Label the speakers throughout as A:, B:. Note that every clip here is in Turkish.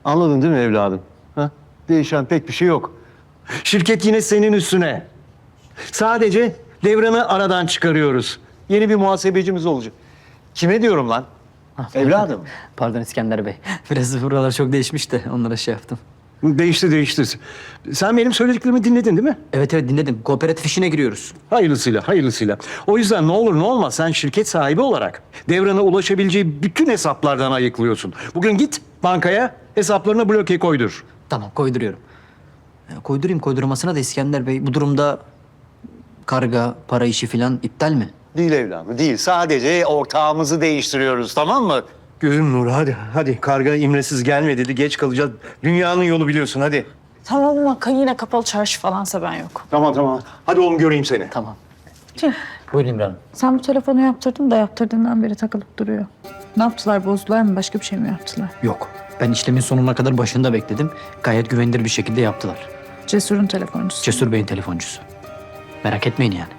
A: Anladın değil mi evladım? Ha? Değişen pek bir şey yok. Şirket yine senin üstüne. Sadece Devran'ı aradan çıkarıyoruz. Yeni bir muhasebecimiz olacak. Kime diyorum lan? Evladım.
B: Pardon İskender Bey. Biraz buralar çok değişmiş de onlara şey yaptım.
A: Değişti. Sen benim söylediklerimi dinledin değil mi?
B: Evet dinledim. Kooperatif işine giriyoruz.
A: Hayırlısıyla. O yüzden ne olur ne olmaz sen şirket sahibi olarak Devran'a ulaşabileceği bütün hesaplardan ayıklıyorsun. Bugün git bankaya hesaplarına bloke koydur.
B: Tamam koyduruyorum. Koydurmasına da İskender Bey. Bu durumda karga, para işi falan iptal mi?
A: Değil evladım değil. Sadece ortağımızı değiştiriyoruz tamam mı? Gözüm nuru hadi. Karga imresiz gelme dedi. Geç kalacağız. Dünyanın yolu biliyorsun hadi.
C: Tamam ama yine kapalı çarşı falansa ben yok.
A: Tamam. Hadi oğlum göreyim seni.
B: Tamam.
C: Tüh.
B: Buyurun İmran Hanım.
C: Sen bu telefonu yaptırdın da yaptırdığından beri takılıp duruyor. Ne yaptılar? Bozdular mı? Başka bir şey mi yaptılar?
B: Yok. Ben işlemin sonuna kadar başında bekledim. Gayet güvenilir bir şekilde yaptılar.
C: Cesur'un telefoncusu.
B: Cesur Bey'in telefoncusu. Merak etmeyin yani.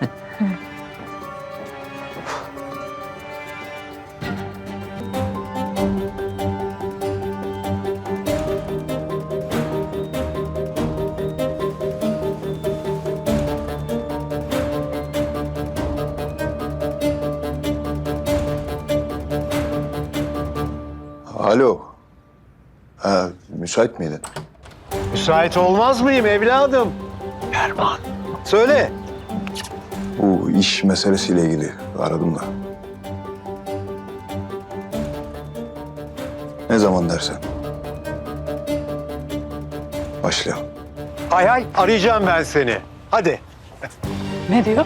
D: Alo. Ha, müsait miydin?
A: Müsait olmaz mıyım evladım? Erman. Söyle.
D: Bu iş meselesiyle ilgili aradım da. Ne zaman dersen. Başlayalım.
A: Hay arayacağım ben seni. Hadi.
C: Ne diyor?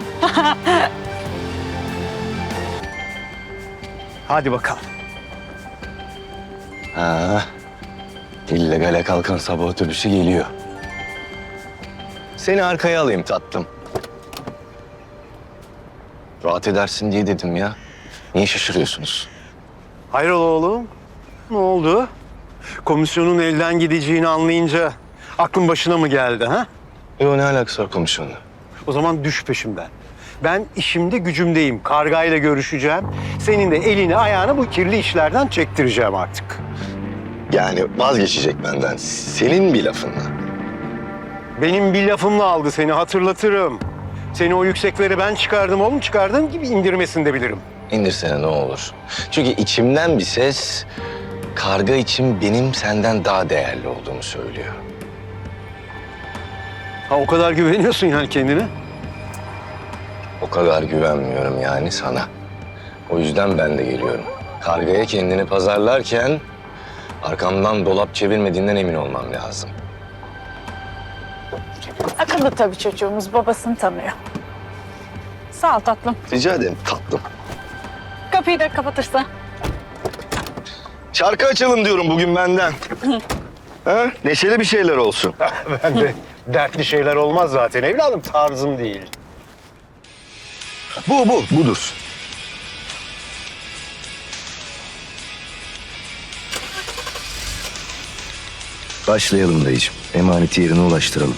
A: Hadi bakalım.
E: Ha, illegale kalkan sabah otobüsü geliyor. Seni arkaya alayım tatlım. Rahat edersin diye dedim ya. Niye şaşırıyorsunuz?
A: Hayrola oğlum? Ne oldu? Komisyonun elden gideceğini anlayınca aklın başına mı geldi ha?
E: Yo, ne alakası var komisyonla?
A: O zaman düş peşimden. Ben işimde gücümdeyim. Kargayla görüşeceğim. Senin de elini ayağını bu kirli işlerden çektireceğim artık.
E: Yani vazgeçecek benden. Senin bir lafınla.
A: Benim bir lafımla aldı seni hatırlatırım. Seni o yükseklere ben çıkardım oğlum. Çıkardığım gibi indirmesini de bilirim.
E: İndirsene ne olur. Çünkü içimden bir ses karga için benim senden daha değerli olduğumu söylüyor.
A: Ha o kadar güveniyorsun yani kendine.
E: O kadar güvenmiyorum yani sana. O yüzden ben de geliyorum. Kargaya kendini pazarlarken arkamdan dolap çevirmediğinden emin olmam lazım.
C: Akıllı tabii çocuğumuz. Babasını tanıyor. Sağ ol tatlım.
E: Rica ederim tatlım.
C: Kapıyı da kapatırsan.
E: Şarkı açalım diyorum bugün benden. Ha? Neşeli bir şeyler olsun.
A: Ben de dertli şeyler olmaz zaten evladım. Tarzım değil.
E: Budur. Başlayalım dayıcığım. Emaneti yerine ulaştıralım.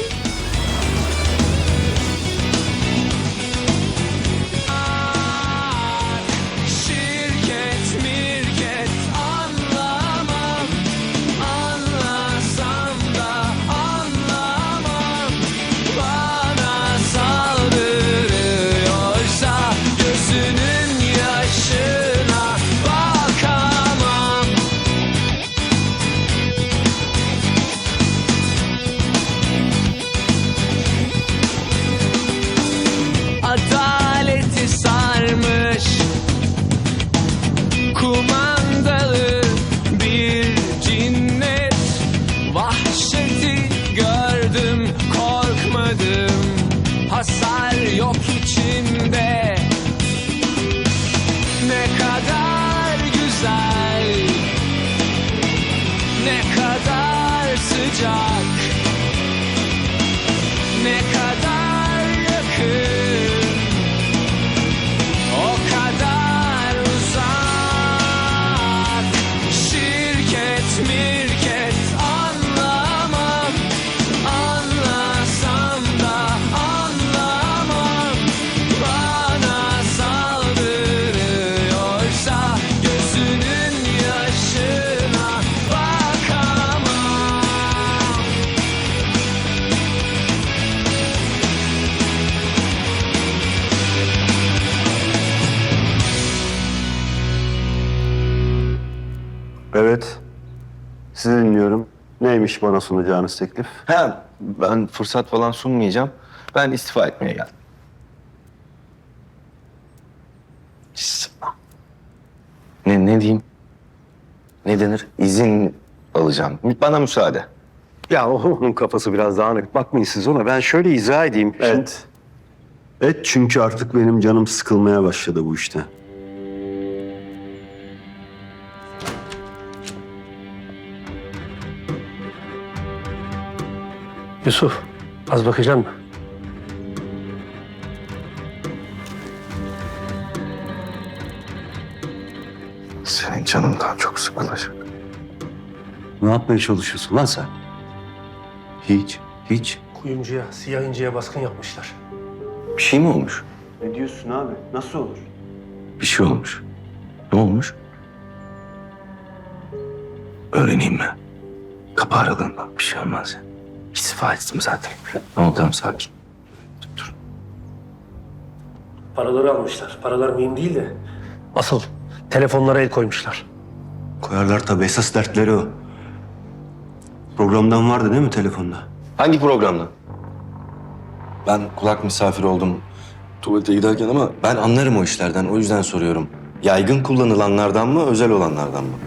F: Şirket mirket anlamam, anlasam da anlamam. Bana saldırıyorsa gözünün yaşına bakamam.
G: Neymiş bana sunacağınız teklif?
E: Ha, ben fırsat falan sunmayacağım. Ben istifa etmeye geldim. Ne diyeyim? Ne denir? İzin alacağım. Bana müsaade.
G: Ya onun kafası biraz dağınık. Bakmayın siz ona. Ben şöyle izah edeyim. Evet. Evet, çünkü artık benim canım sıkılmaya başladı bu işte.
H: Yusuf, az bakacak mısın?
E: Senin canından çok sıkılacak.
G: Ne yapmaya çalışıyorsun lan sen?
E: Hiç.
H: Kuyumcuya, siyah inciye baskın yapmışlar.
E: Bir şey mi olmuş?
G: Ne diyorsun abi? Nasıl olur?
E: Bir şey olmuş. Ne olmuş? Öğreneyim mi? Kapı aralığında bir şey olmaz ya. İstifa ettim zaten. Tamam sakin. Dur.
H: Paraları almışlar. Paralar mühim değil de. Asıl telefonlara el koymuşlar.
G: Koyarlar tabii. Esas dertleri o. Programdan vardı değil mi telefonda?
E: Hangi programda? Ben kulak misafiri oldum tuvalete giderken ama ben anlarım o işlerden. O yüzden soruyorum. Yaygın kullanılanlardan mı, özel olanlardan mı?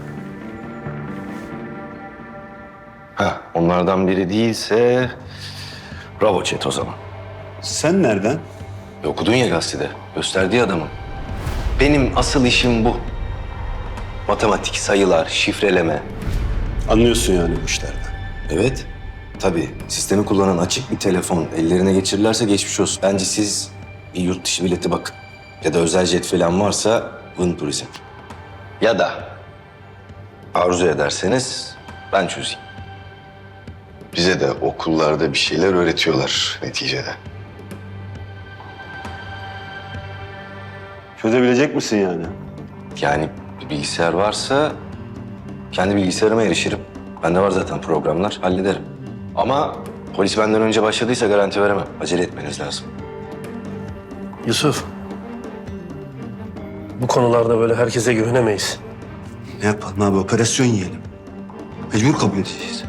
E: Ha, onlardan biri değilse bravo chat o zaman.
G: Sen nereden?
E: Okudun ya gazetede. Gösterdiği adamı. Benim asıl işim bu. Matematik, sayılar, şifreleme.
G: Anlıyorsun yani bu işlerden.
E: Evet. Tabii. Sistemi kullanan açık bir telefon ellerine geçirirlerse geçmiş olsun. Bence siz bir yurt dışı bileti bakın. Ya da özel jet falan varsa Vın Turizm. Ya da arzu ederseniz ben çözeyim. Bize de okullarda bir şeyler öğretiyorlar neticede.
G: Çözebilecek misin yani?
E: Yani bir bilgisayar varsa kendi bilgisayarıma erişirim. Bende var zaten programlar, hallederim. Ama polis benden önce başladıysa garanti veremem. Acele etmeniz lazım.
H: Yusuf, bu konularda böyle herkese güvenemeyiz.
G: Ne yapalım abi? Operasyon yiyelim. Mecbur kabul edeceğiz.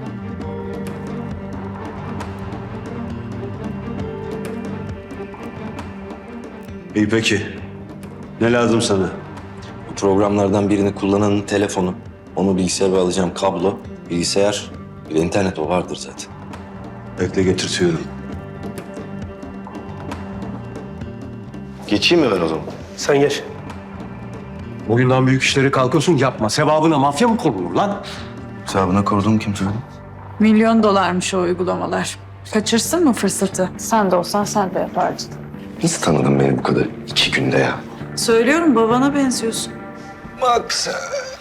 G: İyi peki. Ne lazım sana?
E: Bu programlardan birini kullananın telefonu, onu bilgisayara alacağım kablo, bilgisayar, bir de internet o vardır zaten.
G: Bekle getirtiyorum.
E: Geçeyim mi ben o zaman?
H: Sen geç.
G: Boyundan büyük işleri kalkıyorsun yapma. Sevabına mafya mı konulur lan?
E: Hesabına koruduğum kim söyledi?
C: $1 milyon o uygulamalar. Kaçırsın mı fırsatı? Sen de olsan sen de yapardın.
E: Nasıl tanıdın beni bu kadar 2 günde ya?
C: Söylüyorum babana benziyorsun.
E: Bak sen.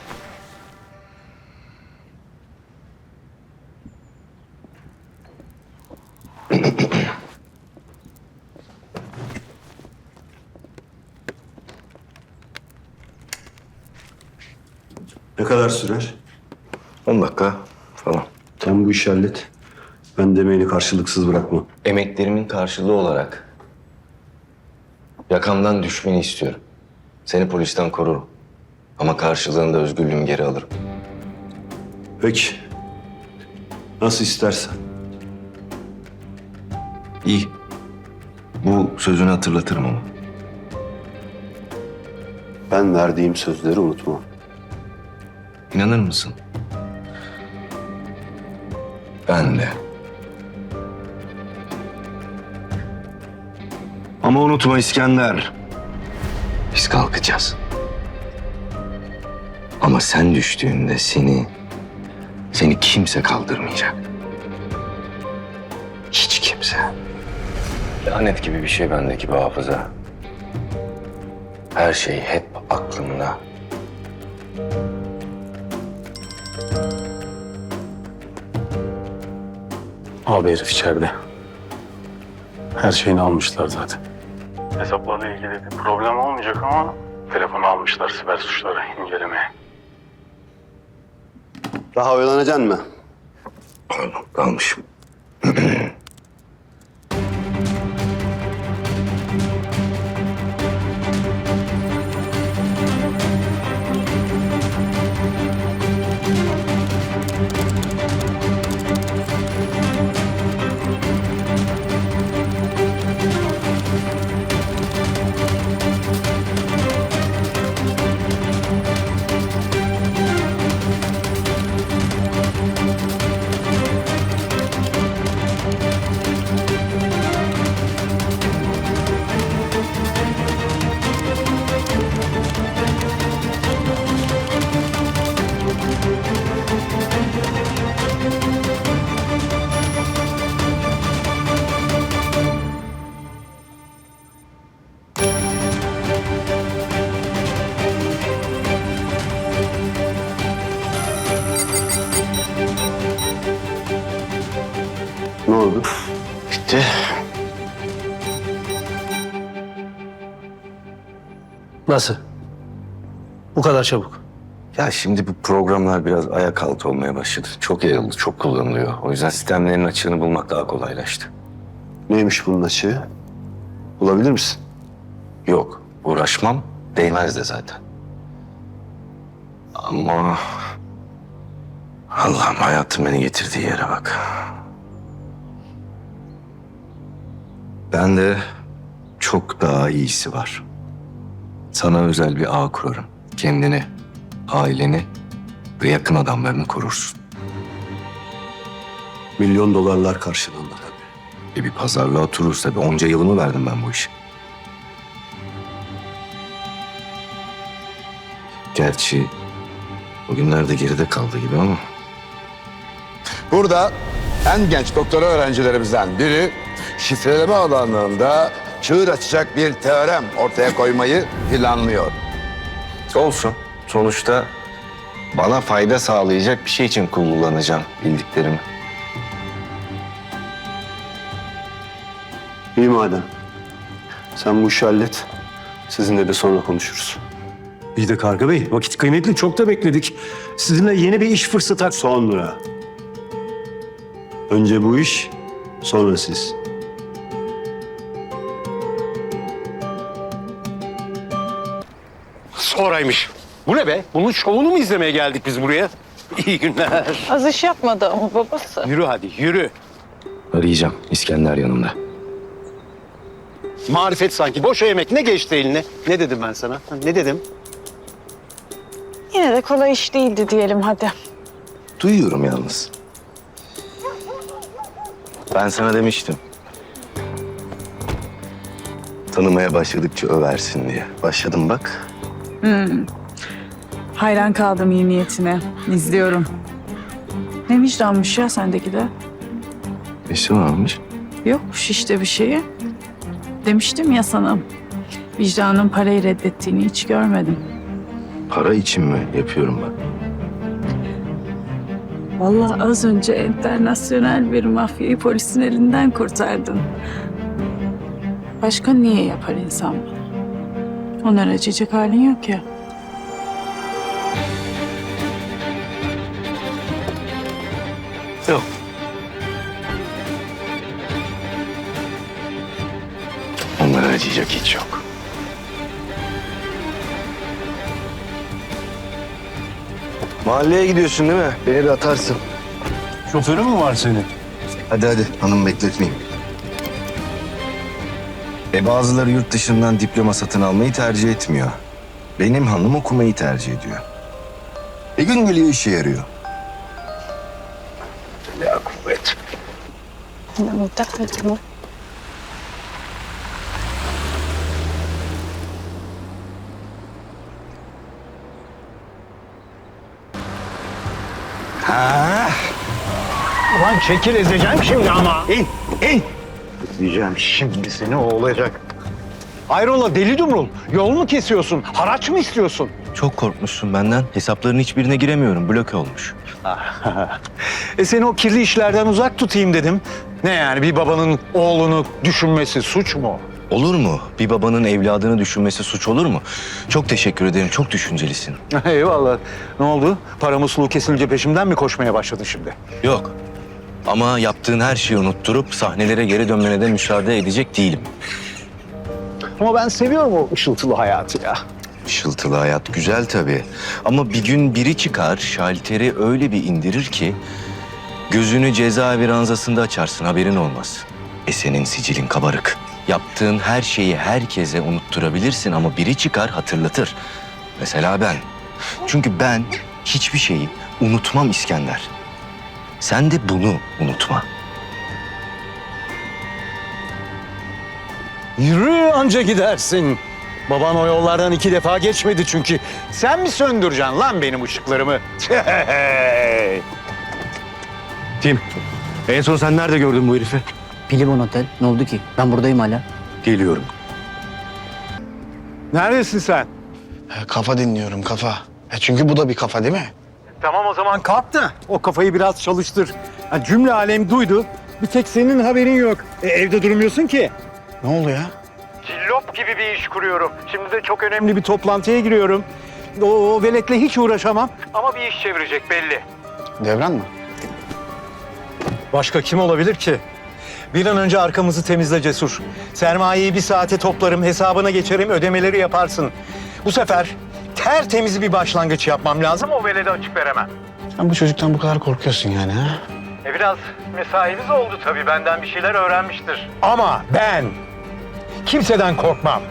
G: Ne kadar sürer?
E: 10 dakika falan.
G: Sen bu işi hallet. Ben demeğini karşılıksız bırakma.
E: Emeklerimin karşılığı olarak yakamdan düşmeni istiyorum. Seni polisten korurum. Ama karşılığında özgürlüğümü geri alırım.
G: Peki. Nasıl istersen.
E: İyi. Bu sözünü hatırlatırım ama.
G: Ben verdiğim sözleri unutma.
E: İnanır mısın? Ben de. Ama unutma İskender. Biz kalkacağız. Ama sen düştüğünde seni kimse kaldırmayacak. Hiç kimse. Lanet gibi bir şey bendeki bu hafıza. Her şey hep aklımda.
I: Abi herif içeride. Her şeyini almışlar zaten. Hesaplarla ilgili bir problem olmayacak ama telefonu almışlar siber suçları incelemeye.
G: Daha oyalanacaksın mı?
E: Pardon, kalmışım.
G: Ne oldu?
E: Bitti.
H: Nasıl? Bu kadar çabuk.
E: Ya şimdi bu programlar biraz ayak altı olmaya başladı. Çok yayıldı, çok kullanılıyor. O yüzden sistemlerin açığını bulmak daha kolaylaştı.
G: Neymiş bunun açığı? Bulabilir misin?
E: Yok, uğraşmam. Değmez de zaten. Ama... Allah'ım hayatım beni getirdiği yere bak. Ben de çok daha iyisi var. Sana özel bir ağ kurarım. Kendini, aileni ve yakın adamlarını korursun.
G: Milyon dolarlar karşılığında tabii.
E: Bir pazarlığa otururuz tabii. Onca yılımı verdim ben bu işe. Gerçi bugünlerde geride kaldı gibi ama.
J: Burada en genç doktora öğrencilerimizden biri şifreleme alanında çığır açacak bir teorem ortaya koymayı planlıyor.
E: Olsun. Sonuçta bana fayda sağlayacak bir şey için kullanacağım bildiklerimi.
G: İyi madem. Sen bu işi hallet. Sizinle de sonra konuşuruz.
A: İyi de Karga Bey, vakit kıymetli. Çok da bekledik. Sizinle yeni bir iş fırsatı...
G: Sonra. Önce bu iş, sonra siz.
H: Sonraymış. Bu ne be? Bunun şovunu mu izlemeye geldik biz buraya? İyi günler.
C: Az iş yapmadı ama babası.
H: Yürü hadi yürü.
E: Arayacağım. İskender yanımda.
G: Marifet sanki. Boş yemek ne geçti eline? Ne dedim ben sana? Ne dedim?
C: Yine de kolay iş değildi diyelim hadi.
E: Duyuyorum yalnız. Ben sana demiştim. Tanımaya başladıkça översin diye. Başladım bak.
C: Hayran kaldım iyi niyetine. İzliyorum. Ne vicdanmış ya sendeki de.
E: Nesi varmış?
C: Yokmuş işte bir şeyi. Demiştim ya sana. Vicdanın parayı reddettiğini hiç görmedim.
E: Para için mi yapıyorum ben?
C: Vallahi az önce internasyonel bir mafyayı polisin elinden kurtardın. Başka niye yapar insan bunu? Onlara acıyacak halin yok ya.
E: Yok. Onlara acıyacak hiç yok. Mahalleye gidiyorsun değil mi? Beni de atarsın.
G: Şoförü mü var senin?
E: Hadi hadi hanım bekletmeyeyim. Bazıları yurt dışından diploma satın almayı tercih etmiyor. Benim hanım okumayı tercih ediyor. Gün geliyor işe yarıyor. Ya kuvvet.
A: Ulan çekil ezeceğim şimdi ama. İn. Diyeceğim şimdi seni o olacak. Hayrola deli dumrul. Yol mu kesiyorsun? Haraç mı istiyorsun?
E: Çok korkmuşsun benden. Hesapların hiçbirine giremiyorum. Bloke olmuş.
A: Seni o kirli işlerden uzak tutayım dedim. Ne yani bir babanın oğlunu düşünmesi suç mu?
E: Olur mu? Bir babanın evladını düşünmesi suç olur mu? Çok teşekkür ederim. Çok düşüncelisin.
A: Eyvallah. Ne oldu? Para musluğu kesilince peşimden mi koşmaya başladın şimdi?
E: Yok. Ama yaptığın her şeyi unutturup sahnelere geri dönmene de müsaade edecek değilim.
A: Ama ben seviyorum o ışıltılı hayatı ya.
E: Işıltılı hayat güzel tabii. Ama bir gün biri çıkar, şalteri öyle bir indirir ki... ...gözünü cezaevi ranzasında açarsın, haberin olmaz. Senin sicilin kabarık. Yaptığın her şeyi herkese unutturabilirsin ama biri çıkar hatırlatır. Mesela ben. Çünkü ben hiçbir şeyi unutmam İskender. Sen de bunu unutma.
A: Yürü anca gidersin. Baban o yollardan 2 defa geçmedi çünkü. Sen mi söndüreceksin lan benim ışıklarımı?
G: Tim, en son sen nerede gördün bu herifi?
B: Pilibon Otel. Ne oldu ki? Ben buradayım hala.
G: Geliyorum.
A: Neredesin sen?
J: Kafa dinliyorum kafa. Çünkü bu da bir kafa değil mi?
A: Tamam o zaman kalk da o kafayı biraz çalıştır. Ha, cümle alem duydu. Bir tek senin haberin yok. Evde durmuyorsun ki.
J: Ne oldu ya?
A: Cillop gibi bir iş kuruyorum. Şimdi de çok önemli bir toplantıya giriyorum. O veletle hiç uğraşamam. Ama bir iş çevirecek belli.
J: Devran mı?
A: Başka kim olabilir ki? Bir an önce arkamızı temizle Cesur. Sermayeyi bir saate toplarım, hesabına geçerim, ödemeleri yaparsın. Bu sefer tertemiz bir başlangıç yapmam lazım. O velede açık veremem.
J: Sen bu çocuktan bu kadar korkuyorsun yani ha?
A: Biraz mesainiz oldu tabii. Benden bir şeyler öğrenmiştir. Ama ben kimseden korkmam.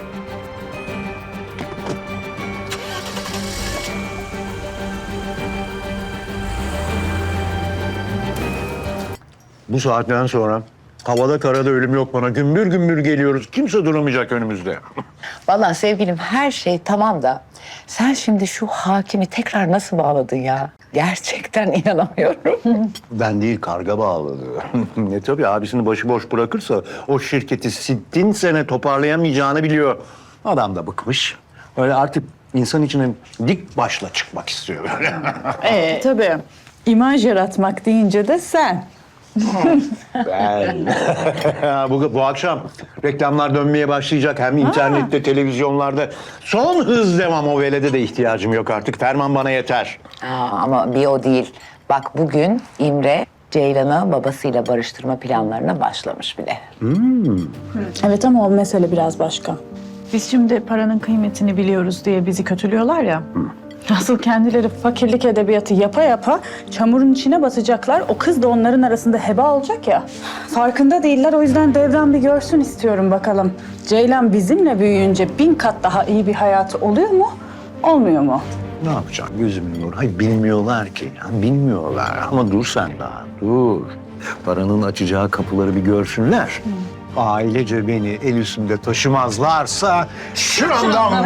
A: Bu saatten sonra havada karada ölüm yok bana. Gümbür gümbür geliyoruz. Kimse duramayacak önümüzde.
K: Vallahi sevgilim her şey tamam da sen şimdi şu hakimi tekrar nasıl bağladın ya? Gerçekten inanamıyorum.
A: Ben değil, karga bağladı. Tabii abisini başıboş bırakırsa o şirketi sittin sene toparlayamayacağını biliyor. Adam da bıkmış. Öyle artık insan içine dik başla çıkmak istiyor böyle.
C: Tabii. İmaj yaratmak deyince de sen.
A: Ben. bu akşam reklamlar dönmeye başlayacak. Hem internette, televizyonlarda. Son hız devam, o velede de ihtiyacım yok artık. Ferman bana yeter.
K: Ama bir o değil. Bak bugün İmre Ceylan'ı babasıyla barıştırma planlarına başlamış bile.
C: Evet ama o mesele biraz başka. Biz şimdi paranın kıymetini biliyoruz diye bizi kötülüyorlar ya. Asıl kendileri fakirlik edebiyatı yapa yapa çamurun içine batacaklar. O kız da onların arasında heba olacak ya. Farkında değiller, o yüzden Devran bir görsün istiyorum bakalım. Ceylan bizimle büyüyünce 1000 kat daha iyi bir hayatı oluyor mu, olmuyor mu?
A: Ne yapacağım gözümün nuru? Hayır bilmiyorlar ki. Ya, bilmiyorlar ama dur sen daha dur. Paranın açacağı kapıları bir görsünler. Ailece beni el üstünde taşımazlarsa şuramdan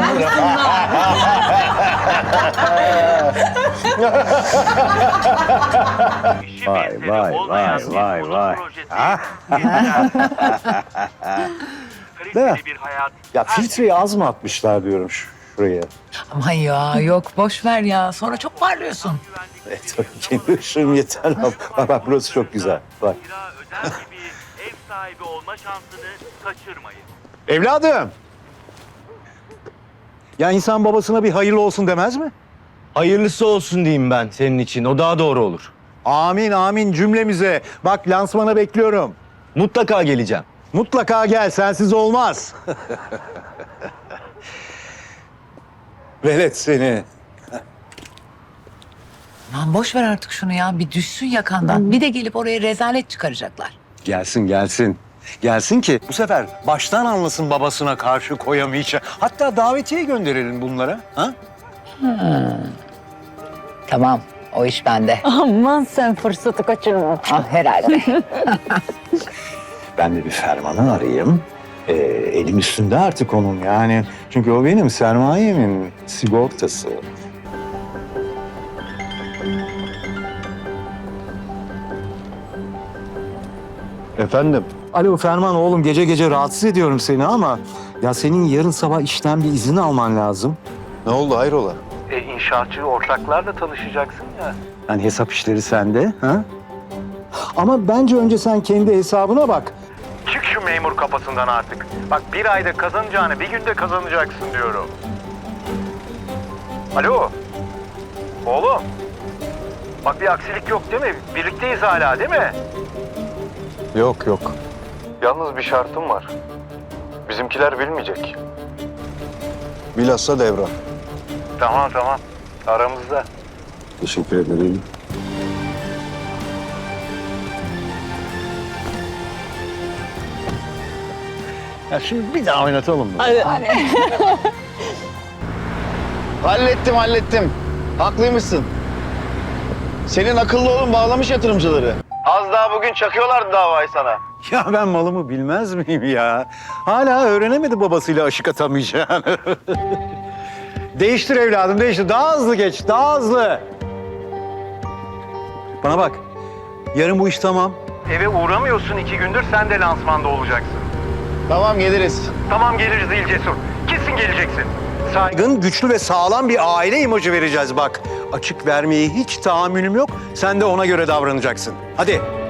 A: vay. Ha? Değil mi? Ya filtreyi az mı atmışlar diyorum şuraya.
K: Aman ya yok boş ver ya. Sonra çok parlıyorsun.
A: Tabii kendi ışığım yeter. Bak burası çok güzel. Bak.
F: özel gibi ev sahibi olma şansını kaçırmayın.
A: Evladım. Ya insan babasına bir hayırlı olsun demez mi?
E: Hayırlısı olsun diyeyim ben senin için. O daha doğru olur.
A: Amin amin cümlemize. Bak lansmana bekliyorum.
E: Mutlaka geleceğim.
A: Mutlaka gel, sensiz olmaz. Velet seni.
K: Aman boş ver artık şunu ya. Bir düşsün yakandan. Bir de gelip oraya rezalet çıkaracaklar.
A: Gelsin gelsin. Gelsin ki bu sefer baştan anlasın babasına karşı koyamayacak. Hatta davetiye gönderelim bunlara. Ha?
K: Tamam o iş bende.
C: Aman sen fırsatı kaçırma.
K: Ah herhalde.
A: Ben de bir Ferman'ı arayayım. Elim üstünde artık onun yani. Çünkü o benim sermayemin sigortası. Efendim? Alo Ferman oğlum, gece gece rahatsız ediyorum seni ama ya senin yarın sabah işten bir izin alman lazım.
J: Ne oldu hayrola?
A: İnşaatçı ortaklarla tanışacaksın ya. Yani hesap işleri sende. Ha? Ama bence önce sen kendi hesabına bak. Çık şu memur kafasından artık. Bak bir ayda kazanacağını bir günde kazanacaksın diyorum. Alo. Oğlum. Bak bir aksilik yok değil mi? Birlikteyiz hala değil mi?
J: Yok yok.
A: Yalnız bir şartım var. Bizimkiler bilmeyecek.
J: Bilhassa Devran.
A: Tamam. Aramızda.
J: Teşekkür ederim.
A: Ya şimdi bir daha oynatalım mı?
L: Hallettim. Haklıymışsın. Senin akıllı oğlun bağlamış yatırımcıları. Az daha bugün çakıyorlardı davayı sana.
A: Ya ben malımı bilmez miyim ya? Hala öğrenemedi babasıyla aşık atamayacağını. Değiştir evladım, değiştir. Daha hızlı geç, daha hızlı. Bana bak, yarın bu iş tamam. Eve uğramıyorsun 2 gündür, sen de lansmanda olacaksın.
L: Tamam geliriz.
A: Tamam geliriz değil Cesur. Kesin geleceksin. Saygın, güçlü ve sağlam bir aile imajı vereceğiz bak. Açık vermeye hiç tahammülüm yok. Sen de ona göre davranacaksın. Hadi.